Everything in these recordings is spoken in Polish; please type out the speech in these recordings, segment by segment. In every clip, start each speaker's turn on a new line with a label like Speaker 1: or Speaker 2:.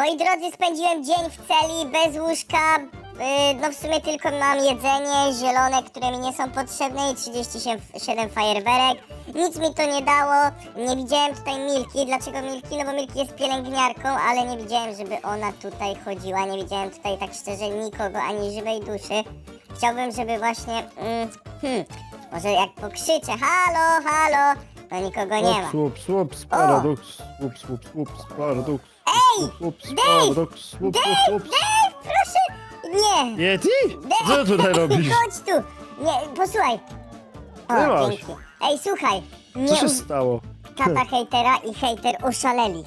Speaker 1: Moi drodzy, spędziłem dzień w celi bez łóżka. No w sumie tylko mam jedzenie zielone, które mi nie są potrzebne i 37 fajerwerek. Nic mi to nie dało. Nie widziałem tutaj Milki. Dlaczego Milki? No bo Milki jest pielęgniarką, ale nie widziałem, żeby ona tutaj chodziła. Nie widziałem tutaj tak szczerze nikogo, ani żywej duszy. Chciałbym, żeby właśnie... może jak pokrzyczę, halo, halo, to nikogo nie ma.
Speaker 2: Słups, paradoks, słups, paradoks.
Speaker 1: Ej,
Speaker 2: Paradoks,
Speaker 1: Dave, proszę! Nie!
Speaker 2: Yeti? Co ty tutaj robisz?
Speaker 1: Chodź tu! Nie, posłuchaj.
Speaker 2: Nie
Speaker 1: O,
Speaker 2: masz.
Speaker 1: dzięki. Ej, słuchaj.
Speaker 2: Co się
Speaker 1: Nie,
Speaker 2: stało?
Speaker 1: tata hejtera i hejter oszaleli.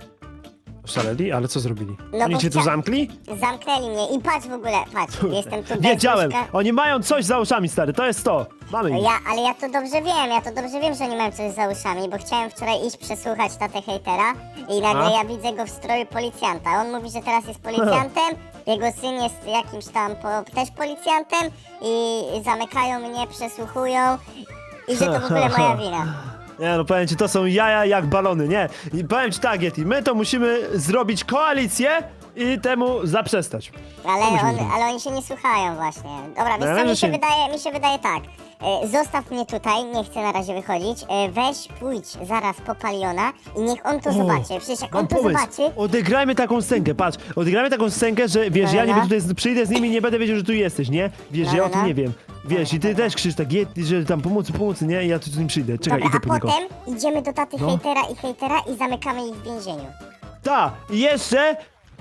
Speaker 2: Szaleli? Ale co zrobili?
Speaker 1: No
Speaker 2: Oni
Speaker 1: bo
Speaker 2: cię tu zamkli?
Speaker 1: Zamknęli mnie i patrz w ogóle, patrz, jestem tu bez
Speaker 2: Wiedziałem!
Speaker 1: łóżka.
Speaker 2: Oni mają coś za uszami, stary, to jest to! Mamy ich.
Speaker 1: Ale ja to dobrze wiem, że oni mają coś za uszami, bo chciałem wczoraj iść przesłuchać tatę hejtera i nagle
Speaker 2: A?
Speaker 1: ja widzę go w stroju policjanta. On mówi, że teraz jest policjantem, jego syn jest jakimś tam też policjantem i zamykają mnie, przesłuchują i że to w ogóle moja wina.
Speaker 2: Nie no, powiem ci, to są jaja jak balony, nie? I powiem ci tak, Yeti, my to musimy zrobić koalicję i temu zaprzestać.
Speaker 1: Ale oni się nie słuchają właśnie. Dobra, wiesz
Speaker 2: No,
Speaker 1: co,
Speaker 2: że się-
Speaker 1: mi się wydaje tak. Zostaw mnie tutaj, nie chcę na razie wychodzić. Weź, pójdź zaraz po Paliona i niech on to zobaczy. Przecież jak
Speaker 2: Mam
Speaker 1: on to
Speaker 2: pomysł.
Speaker 1: zobaczy...
Speaker 2: Odegrajmy taką scenkę, patrz. Odegrajmy taką scenkę, że wiesz, ja
Speaker 1: No.
Speaker 2: niby tutaj przyjdę z nimi i nie będę wiedział, że tu jesteś, nie? Wiesz,
Speaker 1: No,
Speaker 2: ja
Speaker 1: no,
Speaker 2: o tym
Speaker 1: no.
Speaker 2: nie wiem. Wiesz, i ty też krzyż tak, Yeti, że tam pomocy, nie? I ja tu z nim przyjdę. Czekaj,
Speaker 1: Dobra,
Speaker 2: idę
Speaker 1: a
Speaker 2: po niego.
Speaker 1: potem idziemy do taty
Speaker 2: No.
Speaker 1: hejtera i zamykamy ich w więzieniu.
Speaker 2: I jeszcze...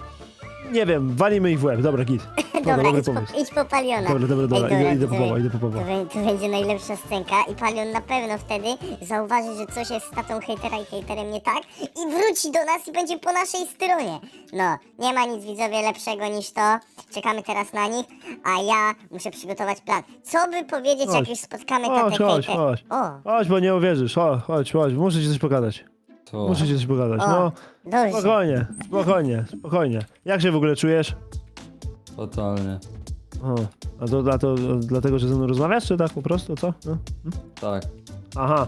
Speaker 2: Nie wiem, walimy ich w łeb. Dobra, git.
Speaker 1: Dobra,
Speaker 2: dobry
Speaker 1: idź
Speaker 2: pomysł.
Speaker 1: idź po Paliona.
Speaker 2: Dobra,
Speaker 1: Ej,
Speaker 2: idę po Pawła, idę po Pawła.
Speaker 1: To będzie najlepsza scenka i Palion na pewno wtedy zauważy, że coś jest z tatą hejtera i hejterem nie tak i wróci do nas i będzie po naszej stronie. No, nie ma nic widzowie lepszego niż to. Czekamy teraz na nich, a ja muszę przygotować plan. Co by powiedzieć, jak
Speaker 2: Chodź.
Speaker 1: już spotkamy tatę
Speaker 2: Chodź,
Speaker 1: hejtera?
Speaker 2: chodź.
Speaker 1: O,
Speaker 2: Chodź, bo nie uwierzysz. Chodź. Muszę ci coś pokazać.
Speaker 3: To
Speaker 2: Muszę ci coś pokazać.
Speaker 1: o,
Speaker 2: No,
Speaker 1: dobrze.
Speaker 2: spokojnie. Jak się w ogóle czujesz?
Speaker 3: totalnie.
Speaker 2: O, a to dlatego, że ze mną rozmawiasz, czy tak po prostu, co? No?
Speaker 3: Tak.
Speaker 2: Aha,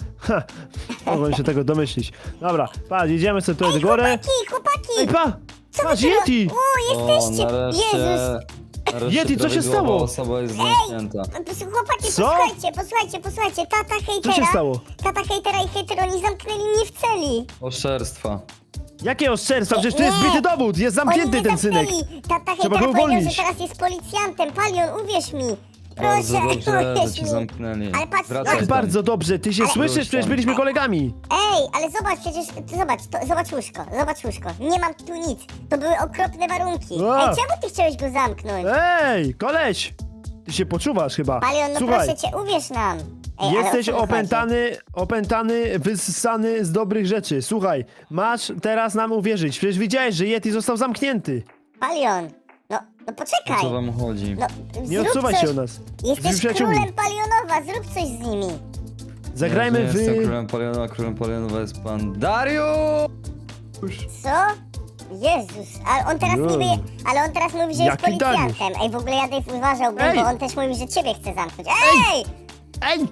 Speaker 2: mogłem się tego domyślić. Dobra, patrz, idziemy sobie tutaj do góry.
Speaker 1: Chłopaki!
Speaker 2: Ej,
Speaker 1: Co
Speaker 2: patrz,
Speaker 1: wy tu
Speaker 2: Yeti!
Speaker 1: O, jesteście!
Speaker 3: nareszcie,
Speaker 1: Jezus!
Speaker 3: nareszcie
Speaker 2: Yeti, co się
Speaker 3: prawidłowa
Speaker 2: stało?
Speaker 3: osoba jest zamknięta.
Speaker 1: Chłopaki,
Speaker 2: Co?
Speaker 1: posłuchajcie, tata hejtera.
Speaker 2: Co się stało?
Speaker 1: Tata hejtera i hejter, oni zamknęli mnie w celi.
Speaker 3: Oszczerstwa.
Speaker 2: Jakie oszczerstwa? Przecież tu jest zbity dowód, jest zamknięty
Speaker 1: Oni mnie
Speaker 2: ten synek.
Speaker 1: zamknęli. Tata
Speaker 2: Trzeba
Speaker 1: hejtera
Speaker 2: go
Speaker 1: powiedział,
Speaker 2: uwolnić.
Speaker 1: że teraz jest policjantem. Palion, uwierz mi.
Speaker 3: Bardzo
Speaker 1: Proszę,
Speaker 3: dobrze, że
Speaker 1: uwierz
Speaker 3: cię
Speaker 1: mi.
Speaker 3: zamknęli.
Speaker 1: Ale patrz,
Speaker 3: Wracaj
Speaker 2: Jak
Speaker 3: tam.
Speaker 2: bardzo dobrze, ty się
Speaker 1: Ale-
Speaker 2: słyszysz? Przecież byliśmy kolegami.
Speaker 1: Ej, ale zobacz, przecież, zobacz łóżko. Nie mam tu nic. To były okropne warunki.
Speaker 2: A.
Speaker 1: Ej, czemu ty chciałeś go zamknąć?
Speaker 2: Ej, koleś! Ty się poczuwasz chyba.
Speaker 1: Palion, no
Speaker 2: Słuchaj,
Speaker 1: proszę cię, uwierz nam. Ej, ale
Speaker 2: jesteś
Speaker 1: o co mu chodzi?
Speaker 2: opętany, wyssany z dobrych rzeczy. Słuchaj, masz teraz nam uwierzyć. Przecież widziałeś, że Yeti został zamknięty.
Speaker 1: Palion, no
Speaker 3: O
Speaker 1: poczekaj.
Speaker 3: co wam chodzi?
Speaker 1: No,
Speaker 2: Nie
Speaker 1: zrób
Speaker 2: odsuwaj
Speaker 1: coś.
Speaker 2: się od nas.
Speaker 1: Jesteś
Speaker 2: Jesteśmy przyjaciółmi.
Speaker 1: królem Palionowa, zrób coś z nimi.
Speaker 2: Zagrajmy
Speaker 3: Ja
Speaker 2: w...
Speaker 3: nie jestem królem Palionowa jest pan Dariusz!
Speaker 1: Co? Jezus, ale on teraz
Speaker 2: Jezu.
Speaker 1: niby, ale on teraz mówi, że jest
Speaker 2: Jaki
Speaker 1: policjantem. Ej, w ogóle ja Dave uważałbym,
Speaker 2: Ej!
Speaker 1: bo on też mówi, że ciebie chce zamknąć. Ej!
Speaker 2: Ej!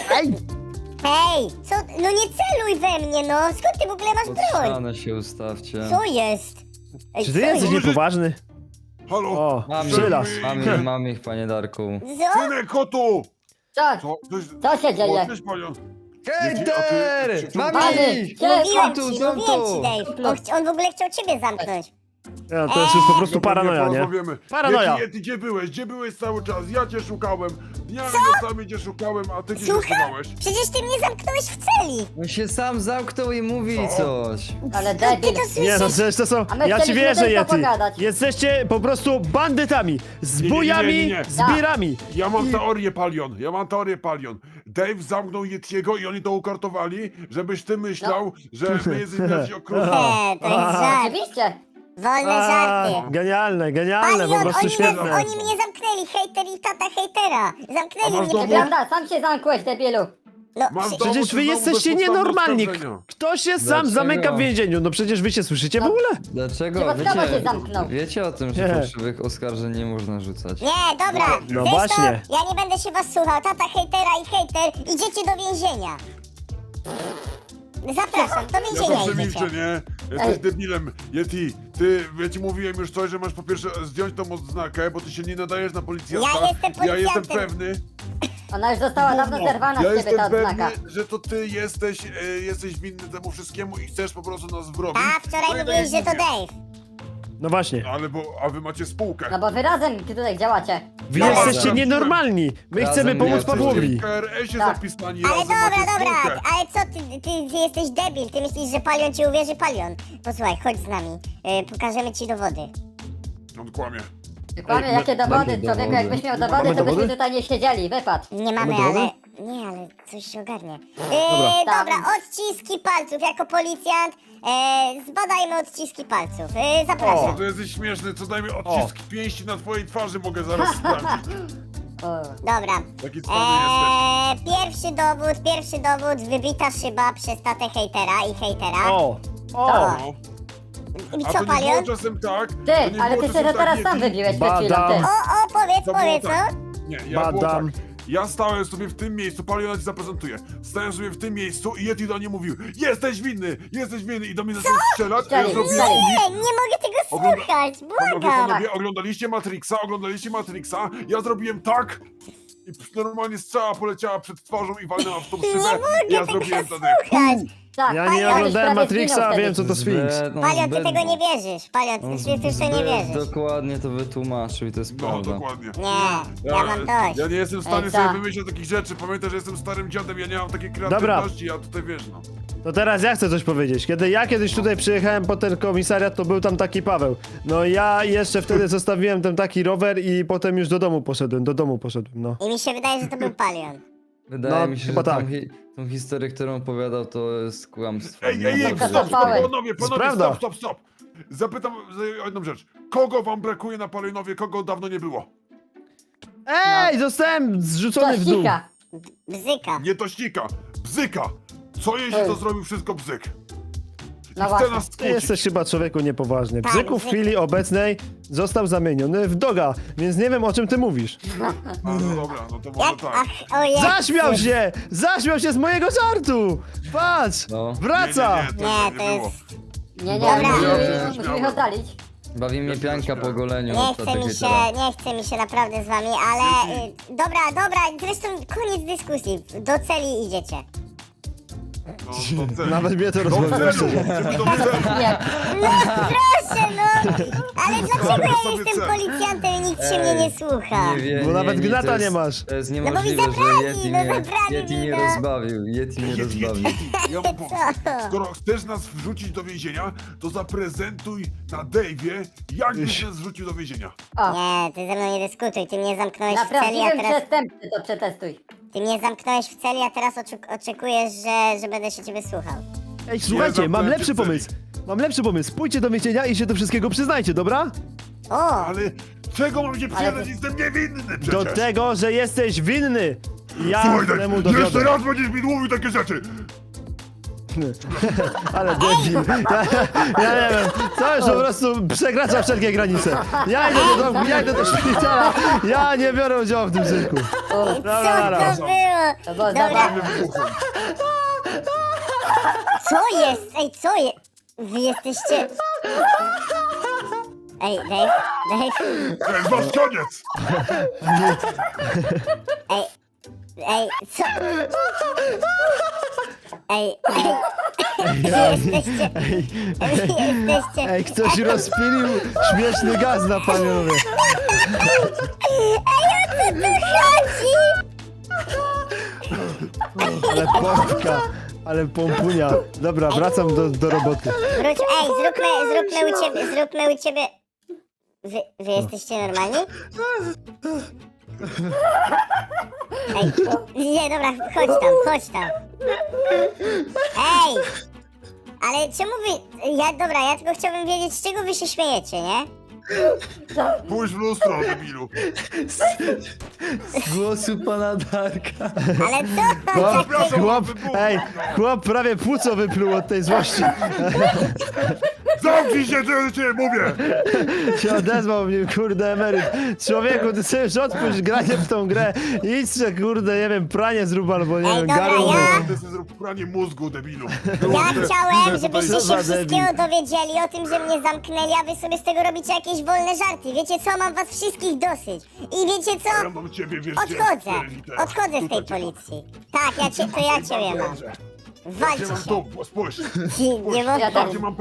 Speaker 1: Ej! Co? No nie celuj we mnie, no! Skąd ty w ogóle masz
Speaker 3: Pod
Speaker 1: broń?
Speaker 3: ścianę się ustawcie.
Speaker 1: Co jest? Ej,
Speaker 2: Czy ty
Speaker 1: co
Speaker 2: jesteś
Speaker 1: jest?
Speaker 2: niepoważny?
Speaker 4: Halo!
Speaker 2: O,
Speaker 3: Mam
Speaker 2: przylas.
Speaker 3: mam ich, panie Darku.
Speaker 1: Co?
Speaker 4: Synek, kotu!
Speaker 5: Co?
Speaker 4: Co?
Speaker 5: Co się dzieje?
Speaker 4: O, cześć, panią.
Speaker 3: Hejter!
Speaker 4: Czy-
Speaker 3: Mam
Speaker 5: Panie,
Speaker 3: ich!
Speaker 5: gdzie-
Speaker 1: Mówiłem
Speaker 3: tu,
Speaker 1: ci,
Speaker 3: są
Speaker 1: mówiłem
Speaker 3: tu.
Speaker 1: ci, Dave. On w ogóle chciał ciebie zamknąć.
Speaker 2: Ja, to jest już po prostu paranoja, nie?
Speaker 4: Porozmawiamy.
Speaker 2: Paranoja.
Speaker 4: Yeti, gdzie byłeś? Gdzie byłeś cały czas? Ja cię szukałem. Dniami nocami cię szukałem, a ty gdzie się
Speaker 1: Słucham?
Speaker 4: schowałeś?
Speaker 1: Przecież ty mnie zamknąłeś w celi.
Speaker 3: On się sam zamknął i mówi coś.
Speaker 5: Ale
Speaker 1: Ty
Speaker 5: debil.
Speaker 1: to
Speaker 2: Nie, no
Speaker 1: słyszysz?
Speaker 2: przecież to są...
Speaker 5: A my
Speaker 2: Ja ci
Speaker 5: chcieliśmy
Speaker 2: wierzę,
Speaker 5: tylko
Speaker 2: Yeti.
Speaker 5: pogadać.
Speaker 2: Jesteście po prostu bandytami. Z
Speaker 4: Nie, nie, nie,
Speaker 2: bujami,
Speaker 4: nie, nie.
Speaker 2: z birami.
Speaker 4: Ja mam teorię, Palion. Dave zamknął Yetiego i oni to ukartowali, żebyś ty myślał, że my jesteśmy jacyś okrutni.
Speaker 1: To jest żart.
Speaker 5: Oczywiście.
Speaker 1: Wolne żarty.
Speaker 2: Genialne,
Speaker 1: Palion,
Speaker 2: po prostu świetne.
Speaker 1: oni mnie zamknęli, hejter i tata hejtera.
Speaker 4: A
Speaker 1: Zamknęli
Speaker 4: masz
Speaker 1: mnie.
Speaker 4: dowód?
Speaker 5: Prawda, sam się zamkłeś, debilu.
Speaker 1: No,
Speaker 4: Masz
Speaker 1: przy-
Speaker 4: dowód,
Speaker 2: Przecież
Speaker 4: czy
Speaker 2: wy
Speaker 4: znowu
Speaker 2: jesteście
Speaker 4: bezpodstawne
Speaker 2: nienormalni.
Speaker 4: oskarżenia?
Speaker 2: Kto się sam
Speaker 3: Dlaczego?
Speaker 2: zamyka w więzieniu? No przecież wy się słyszycie w ogóle?
Speaker 3: Dlaczego?
Speaker 5: Przypadkowo się zamknął.
Speaker 3: Wiecie o tym, że
Speaker 2: Nie.
Speaker 3: fałszywych oskarżeń nie można rzucać.
Speaker 1: Nie, dobra.
Speaker 2: No
Speaker 1: Wiesz
Speaker 2: właśnie.
Speaker 1: co? Ja nie będę się was słuchał. Tata hejtera i hejter, idziecie do więzienia. Zapraszam, do
Speaker 4: Ja
Speaker 1: więzienia
Speaker 4: to przemilczę,
Speaker 1: idziecie.
Speaker 4: nie? Jesteś debilem, Yeti. Ja ci mówiłem już coś, że masz po pierwsze zdjąć tą odznakę, bo ty się nie nadajesz na policjanta.
Speaker 1: Ja jestem
Speaker 4: Ja jestem
Speaker 1: policjantem.
Speaker 4: pewny.
Speaker 5: Ona już została dawno zerwana
Speaker 4: Ja
Speaker 5: z ciebie ta
Speaker 4: jestem
Speaker 5: odznaka.
Speaker 4: pewny, że to ty jesteś winny temu wszystkiemu i chcesz po prostu nas wrobić.
Speaker 1: A wczoraj
Speaker 4: No i
Speaker 1: mówiłeś, że
Speaker 4: tak
Speaker 1: to
Speaker 4: jak mówię.
Speaker 1: Dave.
Speaker 2: No właśnie.
Speaker 4: A wy macie spółkę.
Speaker 5: No bo wy razem tutaj działacie.
Speaker 2: Wy
Speaker 4: Ja
Speaker 2: jesteście
Speaker 4: razem.
Speaker 2: nienormalni. My
Speaker 3: Razem
Speaker 2: chcemy pomóc
Speaker 3: jesteście.
Speaker 2: Pawłowi.
Speaker 4: W KRS-ie
Speaker 5: Tak.
Speaker 4: zapisani
Speaker 1: Ale
Speaker 4: razem macie
Speaker 1: dobra,
Speaker 4: spółkę.
Speaker 1: ale co ty jesteś debil, ty myślisz, że Palion ci uwierzy, Palion. Posłuchaj, chodź z nami, pokażemy ci dowody.
Speaker 4: On kłamie.
Speaker 5: Kłamie, jakie dowody,
Speaker 3: jakie
Speaker 5: człowieku,
Speaker 3: dowody?
Speaker 5: jakbyś miał
Speaker 2: Mamy
Speaker 5: dowody, to byśmy
Speaker 2: dowody?
Speaker 5: tutaj nie siedzieli, wypad.
Speaker 1: Nie mamy,
Speaker 2: dowody?
Speaker 1: ale... Nie, ale coś się ogarnie.
Speaker 5: Dobra.
Speaker 1: Dobra, odciski palców, jako policjant, zbadajmy odciski palców. Zapraszam.
Speaker 4: O, to jesteś śmieszny, co dajmy odcisk pięści na twojej twarzy mogę zaraz sprawdzić.
Speaker 5: O,
Speaker 1: Dobra.
Speaker 4: Taki cwany jesteś.
Speaker 1: Pierwszy dowód, wybita szyba przez tatę hejtera i hejtera.
Speaker 2: O! O!
Speaker 4: No.
Speaker 1: I
Speaker 4: A
Speaker 1: co,
Speaker 4: to nie było
Speaker 1: Palion?
Speaker 4: czasem tak? to
Speaker 5: Ty,
Speaker 4: nie
Speaker 5: ale
Speaker 4: było
Speaker 5: ty
Speaker 4: czasem
Speaker 5: się to teraz
Speaker 4: tak,
Speaker 5: sam
Speaker 4: Yeti?
Speaker 5: wybiłeś przed chwilą, ty.
Speaker 2: Badam.
Speaker 1: Powiedz,
Speaker 4: To było
Speaker 1: co?
Speaker 4: tak. Nie, ja było
Speaker 2: Badam.
Speaker 4: tak. Ja stałem sobie w tym miejscu, Paliona ci zaprezentuję. Stałem sobie w tym miejscu i Yeti do mnie mówił: jesteś winny i do mnie zaczął strzelać, a ja
Speaker 5: Strzelił,
Speaker 4: zrobiłem
Speaker 5: strzelił.
Speaker 1: Nie, nie mogę tego słuchać, błagam.
Speaker 4: Panowie, oglądaliście Matrixa, ja zrobiłem tak i normalnie strzała poleciała przed twarzą i walnęła w tą szybę. I ja
Speaker 1: Mogę tego
Speaker 4: zrobiłem wtedy.
Speaker 1: słuchać.
Speaker 5: Tak,
Speaker 2: Ja
Speaker 5: Palion
Speaker 2: nie
Speaker 5: już
Speaker 2: oglądałem
Speaker 5: prawie zginął
Speaker 2: Matrixa, a
Speaker 5: wtedy.
Speaker 2: wiem co to Sphinx.
Speaker 1: Palion, ty tego nie wierzysz. Palion, ty w to nie wierzysz.
Speaker 3: Dokładnie to wytłumaczył i to jest
Speaker 4: No,
Speaker 3: prawda.
Speaker 4: dokładnie.
Speaker 1: Nie, ja mam dość.
Speaker 4: Ja nie jestem w stanie
Speaker 5: Ej,
Speaker 4: sobie
Speaker 5: co?
Speaker 4: wymyśleć takich rzeczy. Pamiętaj, że jestem starym dziadem, ja nie mam takiej
Speaker 2: Dobra.
Speaker 4: kreatywności, ja tutaj wiesz, no.
Speaker 2: To teraz ja chcę coś powiedzieć. Kiedy ja kiedyś tutaj przyjechałem po ten komisariat, to był tam taki Paweł. No ja jeszcze wtedy zostawiłem ten taki rower i potem już do domu poszedłem, no.
Speaker 1: I mi się wydaje, że to był Palion.
Speaker 3: Wydaje
Speaker 2: No,
Speaker 3: mi się,
Speaker 2: chyba
Speaker 3: że
Speaker 2: tak.
Speaker 3: tą historię, którą opowiadał, to jest kłamstwo.
Speaker 4: Ej,
Speaker 5: Dobra,
Speaker 4: stop,
Speaker 5: zapałem.
Speaker 4: panowie,
Speaker 2: prawda.
Speaker 4: stop. Zapytam o jedną rzecz. Kogo wam brakuje na Palionowie, kogo dawno nie było?
Speaker 2: Ej, zostałem zrzucony w dół.
Speaker 5: Cicha.
Speaker 1: Bzyka.
Speaker 4: Nie tościka, bzyka. Co jeśli to zrobił wszystko bzyk?
Speaker 5: No
Speaker 4: Chce
Speaker 5: właśnie.
Speaker 4: nas
Speaker 2: Ty
Speaker 4: skłócić.
Speaker 2: jesteś chyba człowieku niepoważny.
Speaker 1: Tak,
Speaker 2: Bzyku w
Speaker 1: Bzyk.
Speaker 2: chwili obecnej został zamieniony w doga, więc nie wiem o czym ty mówisz.
Speaker 4: A, no dobra, no to może
Speaker 1: Jak?
Speaker 4: tak.
Speaker 1: Ach, ojej.
Speaker 2: Zaśmiał się! Zaśmiał się z mojego żartu! Patrz!
Speaker 3: No.
Speaker 2: Wraca!
Speaker 1: Nie, to
Speaker 4: było.
Speaker 1: jest...
Speaker 5: Nie,
Speaker 1: Dobra.
Speaker 5: musimy ich oddalić.
Speaker 3: Bawi mnie pianka po goleniu.
Speaker 1: Nie
Speaker 3: od
Speaker 1: chce
Speaker 3: takiej
Speaker 1: mi się,
Speaker 3: teraz.
Speaker 1: nie chce mi się naprawdę z wami, ale... dobra, zresztą koniec dyskusji. Do celi idziecie.
Speaker 4: No, do celi.
Speaker 2: Nawet mnie to
Speaker 4: Do
Speaker 2: rozbawiło,
Speaker 4: celu,
Speaker 2: szczerze.
Speaker 4: żeby do celu.
Speaker 5: Nie.
Speaker 1: No proszę, no! Ale dlaczego ja
Speaker 4: sobie
Speaker 1: jestem
Speaker 4: cel.
Speaker 1: policjantem i nikt się mnie nie słucha?
Speaker 2: Bo nawet
Speaker 3: to
Speaker 2: gnata
Speaker 3: jest-
Speaker 2: nie masz.
Speaker 3: To jest
Speaker 1: bo mi
Speaker 3: niemożliwe,
Speaker 1: zabrali,
Speaker 3: że Yeti
Speaker 1: no
Speaker 3: mnie,
Speaker 1: zabrali
Speaker 3: Yeti
Speaker 1: mi,
Speaker 3: mnie
Speaker 1: no.
Speaker 3: rozbawił. Yeti mnie rozbawił.
Speaker 4: Ja mam pomysł. Skoro chcesz nas wrzucić do więzienia, to zaprezentuj na Dave'ie, jak byś nas wrzucił do więzienia.
Speaker 5: O,
Speaker 1: Nie, ty ze mną nie dyskutuj, ty mnie zamknąłeś
Speaker 5: na
Speaker 1: w celi, a
Speaker 5: prawdziwym
Speaker 1: teraz...
Speaker 5: przestępcy to przetestuj.
Speaker 1: Ty mnie zamknąłeś w celi, a teraz oczekujesz, że będę się ciebie słuchał.
Speaker 2: Ej, słuchajcie, mam
Speaker 4: zamknąłem
Speaker 2: lepszy
Speaker 4: cię w celi.
Speaker 2: pomysł. Mam lepszy pomysł. Pójdźcie do więzienia i się do wszystkiego przyznajcie, dobra?
Speaker 1: O!
Speaker 4: Ale czego mam się przyznać? Jestem niewinny przecież.
Speaker 2: Do tego, że jesteś winny. Ja
Speaker 4: Słuchaj, tak,
Speaker 2: temu
Speaker 4: jeszcze
Speaker 2: dowiodę.
Speaker 4: raz będziesz mi mówił takie rzeczy.
Speaker 2: Ale debil. Ja nie wiem. To już po prostu przekracza wszelkie granice. Ja idę do szpitala. Ja nie biorę udziału w tym cyrku.
Speaker 1: Co
Speaker 2: Dobra.
Speaker 1: to było?
Speaker 5: To było
Speaker 1: Dobra,
Speaker 5: zabawne.
Speaker 4: Wybuchłem.
Speaker 1: co jest? Ej, co jest? Wy jesteście... Ej, Dave,
Speaker 4: To jest wasz koniec.
Speaker 1: ej, co? Ej, jesteście... Jesteście...
Speaker 2: Ej, ktoś rozpilił śmieszny gaz na Palionowie.
Speaker 1: Chodzi!
Speaker 2: Ale pompka. Ale pompunia. Dobra, wracam do roboty.
Speaker 1: Wróć, ej, zróbmy u ciebie... Wy jesteście normalni? Ej, nie, dobra, chodź tam. Ej! Ale czemu wy... Ja tylko chciałbym wiedzieć, z czego wy się śmiejecie, nie?
Speaker 4: Pójdź w lustro, debilu.
Speaker 3: Z głosu pana Darka.
Speaker 1: Ale co?
Speaker 2: Chłop, chłop prawie płuco wypluł od tej złości.
Speaker 4: Zamknij się, ty mówię!
Speaker 2: Się odezwał mnie, kurde, emeryt. Człowieku, ty sobie już odpuść granie w tą grę. Idź se, kurde, nie wiem, pranie zrób albo nie
Speaker 1: Ej,
Speaker 2: wiem,
Speaker 1: dobra,
Speaker 2: garą.
Speaker 1: ja-
Speaker 4: Ty sobie zrób pranie mózgu, debilu.
Speaker 1: Ja chciałem, żebyście
Speaker 2: Co za
Speaker 1: się wszystkiego
Speaker 2: debil.
Speaker 1: dowiedzieli o tym, że mnie zamknęli, a wy sobie z tego robicie jakieś wolne żarty. Wiecie co, mam was wszystkich dosyć. I wiecie co?
Speaker 4: Ja mam ciebie, wiesz,
Speaker 1: Odchodzę.
Speaker 4: gdzie?
Speaker 1: Odchodzę z tej
Speaker 4: Tutaj cię mam.
Speaker 1: policji. Tak, ja ciebie mam.
Speaker 4: Dobrze. Ja cię
Speaker 1: Walcie
Speaker 4: mam
Speaker 1: się.
Speaker 4: tu, spójrz.
Speaker 1: Nie mogę.
Speaker 5: Ja
Speaker 4: Tam, gdzie mam